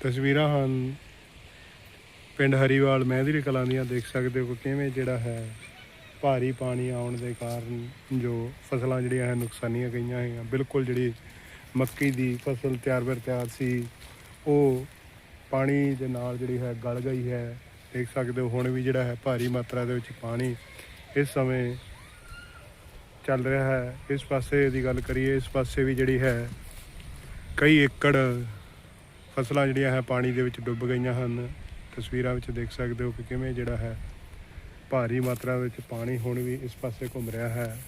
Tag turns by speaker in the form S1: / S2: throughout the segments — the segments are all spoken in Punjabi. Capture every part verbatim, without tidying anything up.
S1: ਤਸਵੀਰਾਂ ਹਨ ਪਿੰਡ ਹਰੀਵਾਲ ਮਹਿੰਦਰੀ ਕਲਾਂ ਦੀਆਂ। ਦੇਖ ਸਕਦੇ ਹੋ ਕਿ ਕਿਵੇਂ ਜਿਹੜਾ ਹੈ ਭਾਰੀ ਪਾਣੀ ਆਉਣ ਦੇ ਕਾਰਨ ਜੋ ਫਸਲਾਂ ਜਿਹੜੀਆਂ ਹੈ ਨੁਕਸਾਨੀਆਂ ਗਈਆਂ ਹੈਗੀਆਂ। ਬਿਲਕੁਲ ਜਿਹੜੀ ਮੱਕੀ ਦੀ ਫਸਲ ਤਿਆਰ ਬਰ ਤਿਆਰ ਸੀ ਉਹ ਪਾਣੀ ਦੇ ਨਾਲ ਜਿਹੜੀ ਹੈ ਗਲ ਗਈ ਹੈ। ਦੇਖ ਸਕਦੇ ਹੋ ਹੁਣ ਵੀ ਜਿਹੜਾ ਹੈ ਭਾਰੀ ਮਾਤਰਾ ਦੇ ਵਿੱਚ ਪਾਣੀ ਇਸ ਸਮੇਂ ਚੱਲ ਰਿਹਾ ਹੈ। ਇਸ ਪਾਸੇ ਦੀ ਗੱਲ ਕਰੀਏ, ਇਸ ਪਾਸੇ ਵੀ ਜਿਹੜੀ ਹੈ ਕਈ ਏਕੜ ਫਸਲਾਂ ਜਿਹੜੀਆਂ ਹੈ ਪਾਣੀ ਦੇ ਵਿੱਚ ਡੁੱਬ ਗਈਆਂ ਹਨ। ਤਸਵੀਰਾਂ ਵਿੱਚ ਦੇਖ ਸਕਦੇ ਹੋ ਕਿ ਕਿਵੇਂ ਜਿਹੜਾ ਹੈ ਭਾਰੀ ਮਾਤਰਾ ਵਿੱਚ ਪਾਣੀ ਹੁਣ ਵੀ ਇਸ ਪਾਸੇ ਘੁੰਮ ਰਿਹਾ ਹੈ।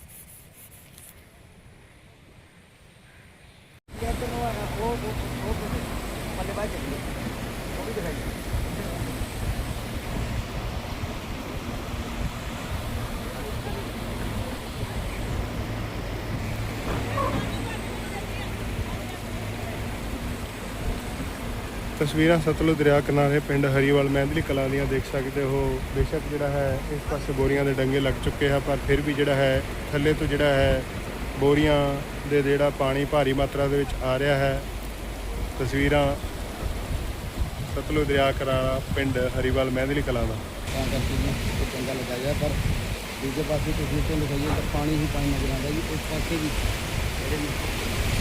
S1: ਤਸਵੀਰਾਂ ਸਤਲੁਜ ਦਰਿਆ ਕਿਨਾਰੇ ਪਿੰਡ ਹਰੀਵਾਲ ਮਹਿੰਦਰੀ ਕਲਾਂ ਦੀਆਂ ਦੇਖ ਸਕਦੇ ਹੋ। ਬੇਸ਼ੱਕ ਜਿਹੜਾ ਹੈ ਇਸ ਪਾਸੇ ਬੋਰੀਆਂ ਦੇ ਡੰਗੇ ਲੱਗ ਚੁੱਕੇ ਹਨ, ਪਰ ਫਿਰ ਵੀ ਜਿਹੜਾ ਹੈ ਥੱਲੇ ਤੋਂ ਜਿਹੜਾ ਹੈ ਬੋਰੀਆਂ ਦੇ ਜਿਹੜਾ ਪਾਣੀ ਭਾਰੀ ਮਾਤਰਾ ਦੇ ਵਿੱਚ ਆ ਰਿਹਾ ਹੈ। ਤਸਵੀਰਾਂ ਸਤਲੁਜ ਦਰਿਆ ਕਿਨਾਰਾ ਪਿੰਡ ਹਰੀਵਾਲ ਮਹਿੰਦਰੀ ਕਲਾਂ ਦਾ।
S2: ਤਾਂ ਕਰਕੇ ਚੰਗਾ ਲਗਾਇਆ, ਪਰ ਦੂਜੇ ਪਾਸੇ ਤੁਸੀਂ ਤੋਂ ਲਿਖਾਈਏ ਤਾਂ ਪਾਣੀ ਹੀ ਪਾਣੀ ਨਜ਼ਰ ਆਉਂਦਾ ਜੀ। ਇਸ ਪਾਸੇ ਵੀ ਜਿਹੜੇ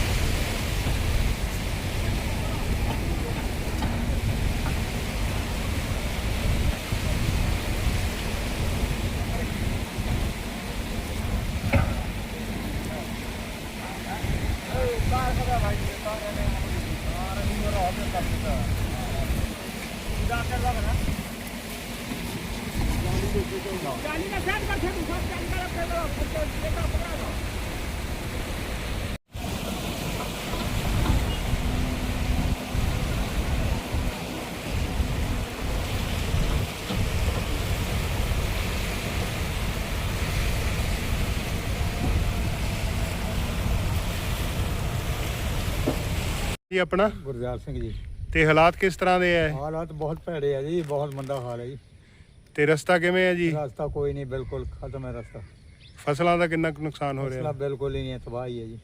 S1: ਜੀ ਆਪਣਾ
S2: ਗੁਰਦਿਆਲ ਸਿੰਘ ਜੀ।
S1: ਤੇ ਹਾਲਾਤ ਕਿਸ ਤਰ੍ਹਾਂ ਦੇ ਹੈ?
S2: ਹਾਲਾਤ ਬਹੁਤ ਭੈੜੇ ਆ ਜੀ, ਬਹੁਤ ਮੰਦਾ ਹਾਲ ਹੈ ਜੀ।
S1: ਤੇ ਰਸਤਾ ਕਿਵੇਂ ਹੈ ਜੀ?
S2: ਰਸਤਾ ਕੋਈ ਨਹੀਂ, ਬਿਲਕੁਲ ਖਤਮ ਹੈ ਰਸਤਾ।
S1: ਫਸਲਾਂ ਦਾ ਕਿੰਨਾ ਕੁ ਨੁਕਸਾਨ ਹੋ ਰਿਹਾ?
S2: ਫਸਲਾਂ ਬਿਲਕੁਲ ਹੀ ਨਹੀਂ, ਤਬਾਹੀ ਹੈ ਜੀ।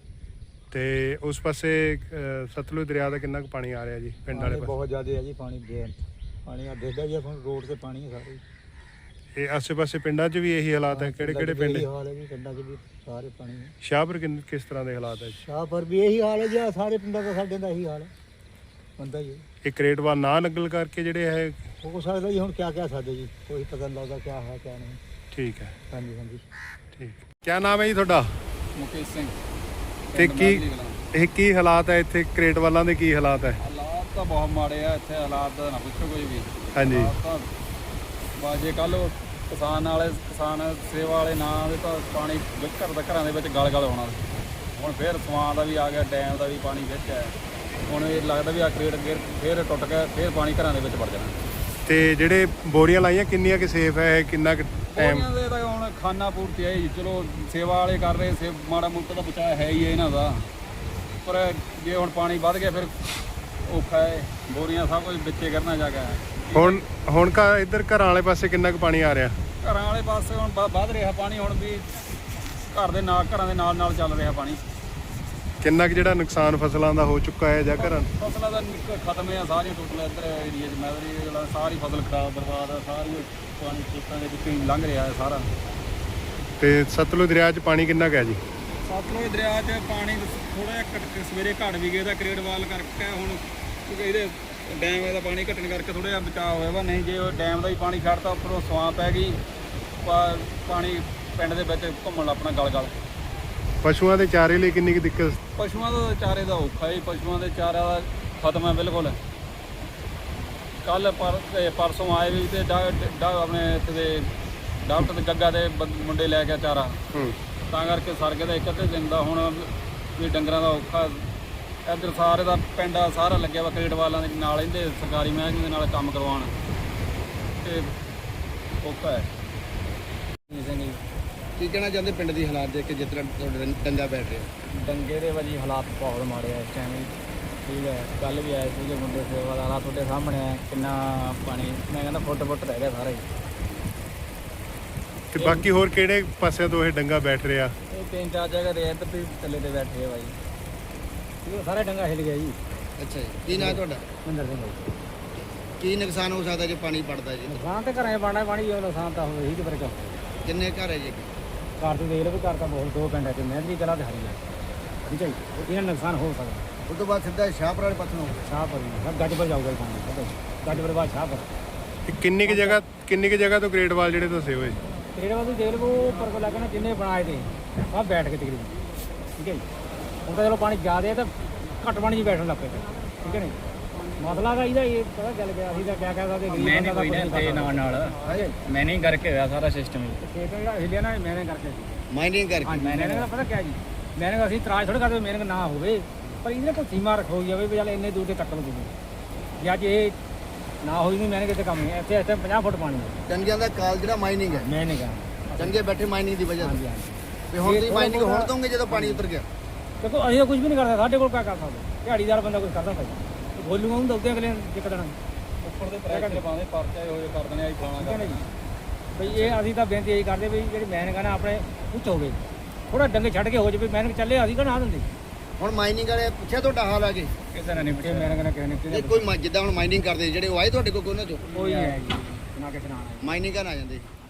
S1: ਤੇ ਉਸ ਪਾਸੇ ਅਹ, ਸਤਲੁਜ ਦਰਿਆ ਦਾ ਕਿੰਨਾ ਕੁ ਪਾਣੀ ਆ ਰਿਹਾ ਜੀ ਪਿੰਡ ਵਾਲੇ ਪਾਸੇ?
S2: ਬਹੁਤ ਜ਼ਿਆਦਾ ਹੈ ਜੀ ਪਾਣੀ। ਬੇਅੰਤ ਪਾਣੀ ਆ ਦੇਖਦਾ ਜੀ, ਆਪਾਂ ਰੋਡ ਤੇ ਪਾਣੀ ਹੈ ਸਾਰੇ।
S1: ਇਹ ਆਸੇ ਪਾਸੇ ਪਿੰਡਾਂ 'ਚ ਵੀ ਇਹੀ ਹਾਲਾਤ ਹੈ? ਕਿਹੜੇ ਕਿਹੜੇ ਪਿੰਡ?
S2: ਇਹੀ ਹਾਲ ਹੈ ਜੀ, ਪਿੰਡਾਂ 'ਚ ਵੀ ਸਾਰੇ ਪਾਣੀ ਹੈ।
S1: ਸ਼ਾਹਪੁਰ ਕਿੰਨ ਕਿਸ ਤਰ੍ਹਾਂ ਦੇ ਹਾਲਾਤ ਹੈ?
S2: ਸ਼ਾਹਪੁਰ ਵੀ ਇਹੀ ਹਾਲ ਹੈ ਜੀ, ਸਾਰੇ ਪਿੰਡਾਂ ਦਾ ਸਾਡੇ ਦਾ ਇਹੀ ਹਾਲ ਹੈ, ਬੰਦਾ ਹੀ ਹੈ।
S1: ਇਹ ਕਰੇਟਵਾ ਨਾ ਨਕਲ ਕਰਕੇ ਜਿਹੜੇ ਹੈ
S2: ਹੋ ਸਕਦਾ ਜੀ, ਹੁਣ ਕਿਆ ਕਹਿ ਸਕਦੇ ਜੀ, ਕੋਈ ਪਤਾ ਨਹੀਂ ਲੱਗਦਾ ਕਿਆ ਹੈ ਕਿਆ ਨਹੀਂ।
S1: ਠੀਕ ਹੈ,
S2: ਹਾਂਜੀ ਹਾਂਜੀ
S1: ਠੀਕ। ਕਿਆ ਨਾਮ ਹੈ ਜੀ ਤੁਹਾਡਾ?
S3: ਮੁਕੇਸ਼ ਸਿੰਘ।
S1: ਤੇ ਕੀ ਇਹ ਕੀ ਹਾਲਾਤ ਹੈ ਇੱਥੇ ਕਰੇਟਵਾਲਾਂ ਦੇ? ਕੀ ਹਾਲਾਤ ਹੈ?
S3: ਹਾਲਾਤ ਤਾਂ ਬਹੁਤ ਮਾੜੇ ਆ ਇੱਥੇ, ਹਾਲਾਤ ਦਾ ਨਾ ਪੁੱਛੋ ਕੋਈ ਵੀ।
S1: ਹਾਂਜੀ।
S3: ਤਾਂ ਬਾਜੇ ਕੱਲ ਕਿਸਾਨ ਵਾਲੇ ਕਿਸਾਨ ਸੇਵਾ ਵਾਲੇ ਨਾਂ ਦੇ ਤਾਂ ਪਾਣੀ ਵਿੱਚ ਘਰ ਦਾ ਘਰਾਂ ਦੇ ਵਿੱਚ ਗਲ ਗਲ ਹੋਣਾ। ਹੁਣ ਫਿਰ ਸਵਾਂ ਦਾ ਵੀ ਆ ਗਿਆ, ਡੈਮ ਦਾ ਵੀ ਪਾਣੀ ਵਿੱਚ ਹੈ। ਹੁਣ ਇਹ ਲੱਗਦਾ ਵੀ ਆ ਕਰੇਟ ਗੇਰ ਫਿਰ ਟੁੱਟ ਗਿਆ, ਫਿਰ ਪਾਣੀ ਘਰਾਂ ਦੇ ਵਿੱਚ ਵੜ ਜਾਣਾ।
S1: ਤੇ ਜਿਹੜੇ ਬੋਰੀਆਂ ਲਾਈਆਂ ਕਿੰਨੀਆਂ ਕਿ ਸੇਫ ਹੈ? ਕਿੰਨਾ ਕੁ ਟਾਈਮ?
S3: ਉਹਨਾਂ ਦੇ ਤਾਂ ਹੁਣ ਖਾਨਾ ਪੂਰਤੀ ਹੈ ਜੀ, ਚਲੋ ਸੇਵਾ ਵਾਲੇ ਕਰ ਰਹੇ, ਸੇ ਮਾੜਾ ਮੋਟਾ ਤਾਂ ਬਚਾਅ ਹੈ ਹੀ ਹੈ ਇਹਨਾਂ ਦਾ। ਪਰ ਜੇ ਹੁਣ ਪਾਣੀ ਵੱਧ ਗਿਆ ਫਿਰ ਔਖਾ ਹੈ, ਬੋਰੀਆਂ ਸਭ ਕੁਝ ਵਿੱਚੇ ਕਰਨਾ ਜਾ ਗਿਆ।
S1: ਹੁਣ ਹੁਣ ਘਰ ਇੱਧਰ ਘਰਾਂ ਵਾਲੇ ਪਾਸੇ ਕਿੰਨਾ ਕੁ ਪਾਣੀ ਆ ਰਿਹਾ?
S3: ਘਰਾਂ ਵਾਲੇ ਪਾਸੇ ਹੁਣ ਵ- ਵੱਧ ਰਿਹਾ ਪਾਣੀ, ਹੁਣ ਵੀ ਘਰ ਦੇ ਨਾਲ ਘਰਾਂ ਦੇ ਨਾਲ ਨਾਲ ਚੱਲ ਰਿਹਾ ਪਾਣੀ।
S1: ਕਿੰਨਾ ਕੁ ਜਿਹੜਾ ਨੁਕਸਾਨ ਫਸਲਾਂ ਦਾ ਹੋ ਚੁੱਕਾ ਹੈ ਜਾਂ ਘਰਾਂ?
S3: ਫਸਲਾਂ ਦਾ ਨਿਕ- ਖਤਮ ਹੈ ਸਾਰੀਆਂ, ਟੋਟਲ ਇੱਧਰ ਏਰੀਏ 'ਚ ਮੈਵਰੀ ਜਿਹੜਾ ਸਾਰੀ ਫਸਲ ਖਰਾਬ ਬਰਬਾਦ ਆ, ਸਾਰੀ ਪਾਣੀ ਖੇਤਾਂ ਦੇ ਵਿੱਚੋਂ ਹੀ ਲੰਘ ਰਿਹਾ ਹੈ ਸਾਰਾ।
S1: ਤੇ ਸਤਲੁਜ ਦਰਿਆ 'ਚ ਪਾਣੀ ਕਿੰਨਾ ਕੁ ਹੈ ਜੀ?
S3: ਸਤਲੁਜ ਦਰਿਆ 'ਚ ਪਾਣੀ ਥੋੜ੍ਹਾ ਜਿਹਾ ਘੱਟ, ਸਵੇਰੇ ਘੱਟ ਵੀ ਗਿਆ ਤਾਂ ਕਰੇਟਵਾਲ ਕਰਕੇ ਹੁਣ, ਕਿਉਂਕਿ ਇਹਦੇ ਡੈਮ ਦਾ ਪਾਣੀ ਘਟਣ ਕਰਕੇ ਥੋੜ੍ਹਾ ਜਿਹਾ ਬਚਾਅ ਹੋਇਆ ਵਾ। ਨਹੀਂ ਜੇ ਉਹ ਡੈਮ ਦਾ ਹੀ ਪਾਣੀ ਛੱਡਤਾ ਉੱਪਰੋਂ ਸਵਾਂ ਪੈ ਗਈ, ਪਾ- ਪਾਣੀ ਪਿੰਡ ਦੇ ਵਿੱਚ ਘੁੰਮਣ ਆਪਣਾ ਗਲ ਗਲ।
S1: ਪਸ਼ੂਆਂ ਦੇ ਚਾਰੇ ਲਈ ਕਿੰਨੀ ਕੁ ਦਿੱਕਤ?
S3: ਪਸ਼ੂਆਂ ਦਾ ਚਾਰੇ ਦਾ ਔਖਾ ਹੈ, ਪਸ਼ੂਆਂ ਦੇ ਚਾਰਾ ਦਾ ਖਤਮ ਹੈ ਬਿਲਕੁਲ। ਕੱਲ ਪਰ ਤੇ ਪਰਸੋਂ ਆਏ ਵੀ ਤੇ ਡਾ ਡਾ ਆਪਣੇ ਇੱਥੇ ਦੇ ਡਾਕਟਰ ਤੇ ਗੱਗਾ ਦੇ ਬੰ- ਮੁੰਡੇ ਲੈ ਕੇ ਚਾਰਾ,
S1: ਹੂੰ।
S3: ਤਾਂ ਕਰਕੇ ਸਰਗੇ ਦਾ ਇੱਕ ਅੱਧੇ ਦਿਨ ਦਾ ਹੁਣ ਵੀ ਡੰਗਰਾਂ ਦਾ ਔਖਾ। ਇੱਧਰ ਸਾਰੇ ਦਾ ਪਿੰਡ ਆ ਸਾਰਾ ਲੱਗਿਆ ਵਾ ਕਰੇਟ ਵਾਲਾਂ ਦੇ ਨਾਲ, ਇਹਦੇ ਸਰਕਾਰੀ ਮਹਿਕਮੇ ਦੇ ਨਾਲ ਕੰਮ ਕਰਵਾਉਣ ਤੇ ਔਖਾ ਹੈ।
S2: ਕੀ ਕਹਿਣਾ ਚਾਹੁੰਦੇ ਪਿੰਡ ਦੀ ਹਾਲਾਤ ਦੇਖ ਕੇ, ਜਿਸ ਤਰ੍ਹਾਂ ਤੁਹਾਡੇ ਡੰਗਾ ਬੈਠ ਰਿਹਾ?
S4: ਡੰਗੇ ਦੇ ਭਾਜੀ ਹਾਲਾਤ ਬਹੁਤ ਮਾੜੇ ਆ ਇਸ ਟਾਈਮ। ਠੀਕ ਹੈ, ਕੱਲ ਵੀ ਆਏ ਸੀਗੇ ਮੁੰਡੇ ਸੇਵਾਦਾਰ, ਆ ਤੁਹਾਡੇ ਸਾਹਮਣੇ ਆ ਕਿੰਨਾ ਪਾਣੀ, ਮੈਂ ਕਹਿੰਦਾ ਫੁੱਟ ਫੁੱਟ ਰਹਿ ਗਿਆ ਸਾਰਾ ਹੀ।
S1: ਤੇ ਬਾਕੀ ਹੋਰ ਕਿਹੜੇ ਪਾਸਿਆਂ ਤੋਂ ਇਹ ਡੰਗਾ ਬੈਠ ਰਿਹਾ?
S4: ਇਹ ਤਿੰਨ ਚਾਰ ਜਗ੍ਹਾ ਦੇ ਇੱਧਰ ਵੀ ਥੱਲੇ ਤੇ ਬੈਠੇ ਆ ਭਾਜੀ, ਇਹ ਸਾਰਾ ਡੰਗਾ ਹਿੱਲ ਗਿਆ ਜੀ।
S2: ਅੱਛਾ ਜੀ, ਕੀ ਨਾਂ ਤੁਹਾਡਾ?
S4: ਮਹਿੰਦਰ ਸਿੰਘ ਭਾਈ।
S2: ਕੀ ਨੁਕਸਾਨ ਹੋ ਸਕਦਾ ਜੇ ਪਾਣੀ ਪੜਦਾ ਜੀ?
S4: ਨੁਕਸਾਨ ਤੇ ਘਰਾਂ 'ਚ ਬਣਨਾ ਪਾਣੀ ਉਹ ਨੁਕਸਾਨ ਤਾਂ ਹੋਵੇ ਹੀ ਤੇ ਫਿਰ ਕਿਉਂ
S2: ਕਿੰਨੇ ਘਰ ਹੈ ਜੀ?
S4: ਘਰ ਤੋਂ ਦੇਖ ਲਓ ਵੀ ਘਰ ਤਾਂ ਬਹੁਤ ਦੋ ਪਿੰਡਾਂ 'ਚ ਮਹਿੰਦੀ ਕਲਾ ਤੇ ਹਰੀ ਹੈ ਠੀਕ ਹੈ ਜੀ ਇਹਨਾਂ ਨੁਕਸਾਨ ਹੋ ਸਕਦਾ।
S2: ਉਸ ਤੋਂ ਬਾਅਦ ਸਿੱਧਾ ਸ਼ਾਹਪੁਰ ਵਾਲੇ ਪਾਸੇ ਨੂੰ
S4: ਸ਼ਾਹਪੁਰ ਗੱਜਪੁਰ ਜਾਊਗਾ ਜੀ ਪਾਣੀ ਗੱਜਪੁਰ ਬਾਅਦ ਸ਼ਾਹਪੁਰ
S1: ਤੇ ਕਿੰਨੀ ਕੁ ਜਗ੍ਹਾ ਕਿੰਨੀ ਕੁ ਜਗ੍ਹਾ ਤੋਂ ਗ੍ਰੇਡ ਵਾਲ ਜਿਹੜੇ ਦੱਸੇ ਹੋਏ?
S4: ਤੇਰੇ ਵੱਲ ਦੇਖ ਲਓ ਉੱਪਰ ਕੋ ਲੱਗਣਾ ਜਿੰਨੇ ਬਣਾਏ ਤੇ ਸਭ ਬੈਠ ਕੇ ਤਕਰੀਬਨ ਠੀਕ ਹੈ ਜੀ। ਹੁਣ ਤਾਂ ਚਲੋ ਪਾਣੀ ਜ਼ਿਆਦਾ ਹੈ ਤਾਂ ਘੱਟ ਪਾਣੀ 'ਚ ਬੈਠਣ ਲੱਗ ਪਏ ਠੀਕ ਹੈ ਨੀ ਮਸਲਾ ਦਾ ਇਹਦਾ ਇਹ ਪਤਾ ਚੱਲ ਗਿਆ ਅਸੀਂ ਤਾਂ ਕਿਆ ਕਹਿ ਸਕਦੇ ਗਰੀਬ ਬੰਦਾ ਕੋਈ ਨਾ ਤੇ ਨਾਲ ਨਾਲ ਮੈਨੇ ਕਰਕੇ ਹੋਇਆ ਸਾਰਾ ਸਿਸਟਮ ਖੇਤ ਜਿਹੜਾ ਹਿੱਲਿਆ ਨਾ ਮੈਨੇ ਕਰਕੇ
S2: ਮਾਈਨਿੰਗ ਕਰਕੇ
S4: ਹਾਂਜੀ ਮੈਨੇ ਦਾ ਪਤਾ ਕਿਆ ਜੀ ਮੈਨੇ ਅਸੀਂ ਇਤਰਾਜ਼ ਥੋੜ੍ਹਾ ਕਰਦੇ ਮੈਨੇ ਨਾ ਹੋਵੇ ਪਰ ਇਹਦੇ ਕੋਈ ਸੀਮਾ ਰੱਖੋ ਜਾਵੇ ਵੀ ਚੱਲ ਇੰਨੇ ਦੂਰ ਤੇ ਕੱਟਣ ਤੁਸੀਂ ਜੇ ਅੱਜ ਇਹ ਨਾ ਹੋਈ ਨਹੀਂ ਮੈਨੇ ਕਿਤੇ ਕੰਮ ਨਹੀਂ ਇੱਥੇ ਇੱਥੇ ਪੰਜਾਹ ਫੁੱਟ ਪਾਣੀ ਹੈ
S2: ਚੰਗਿਆਂ ਦਾ ਕਾਲ ਜਿਹੜਾ ਮਾਈਨਿੰਗ ਹੈ
S4: ਮੈਨੇ ਕਹਾ
S2: ਚੰਗੇ ਬੈਠੇ ਮਾਈਨਿੰਗ ਦੀ ਵਜ੍ਹਾ
S4: ਹਾਂਜੀ
S2: ਤੋਂ
S4: ਹਾਂਜੀ
S2: ਤੇ ਹੁਣ ਤੁਸੀਂ ਮਾਈਨਿੰਗ ਹੁਣ ਦੋਗੇ ਜਦੋਂ ਪਾਣੀ ਉਤਰ ਗਿਆ?
S4: ਦੇਖੋ ਅਸੀਂ ਤਾਂ ਕੁਝ ਵੀ ਨਹੀਂ ਕਰਦੇ ਸਾਡੇ ਕੋਲ ਕਿਆ ਕਰ ਸਕਦੇ ਦਿਹਾੜੀਦਾਰ ਬੰਦਾ ਕੁਝ ਕਰਦਾ ਭਾਈ ਬੋਲੂਗਾ ਉਹਨੂੰ ਦੱਸਦੇ ਅਗਲੇ ਇੱਕ ਦਿਨ
S3: ਉੱਪਰ ਦੇ ਪ੍ਰੈਸ਼ਰ ਪਾਉਂਦੇ ਪਰਚਾ ਹੋਏ ਕਰ ਦਿੰਦੇ ਆ ਜੀ ਫਲਾਣਾ
S4: ਠੀਕ ਹੈ ਨਾ ਜੀ ਬਈ ਇਹ ਅਸੀਂ ਤਾਂ ਬੇਨਤੀ ਇਹੀ ਕਰਦੇ ਵੀ ਜਿਹੜੀ ਮੈਨ ਕਹਣਾ ਆਪਣੇ ਉੱਚ ਹੋਵੇ ਥੋੜਾ ਡੰਗੇ ਛੱਡ ਕੇ ਹੋ ਜਾਵੇ ਮੈਨ ਚੱਲੇ ਅਸੀਂ ਕਹਣਾ ਦਿੰਦੇ
S2: ਹੁਣ ਮਾਈਨਿੰਗ ਵਾਲੇ ਪੁੱਛਿਆ ਤੁਹਾਡਾ ਹਾਲ ਆ ਕੇ?
S4: ਕਿਸੇ ਨੇ ਨਹੀਂ ਪੁੱਛਿਆ ਮੈਨ ਕਹਣਾ ਕਿਸੇ ਨੇ
S2: ਜੇ ਕੋਈ ਮ- ਜਿੱਦਾਂ ਹੁਣ ਮਾਈਨਿੰਗ ਕਰਦੇ ਜਿਹੜੇ ਉਹ ਆਏ ਤੁਹਾਡੇ ਕੋਲ ਉਹਨਾਂ ਚੋਂ
S4: ਕੋਈ ਹੈ ਜੀ ਨਾ ਕਿਸੇ ਨਾਲ
S2: ਮਾਈਨਿੰਗ ਕਰਨ ਆ ਜਾਂਦੇ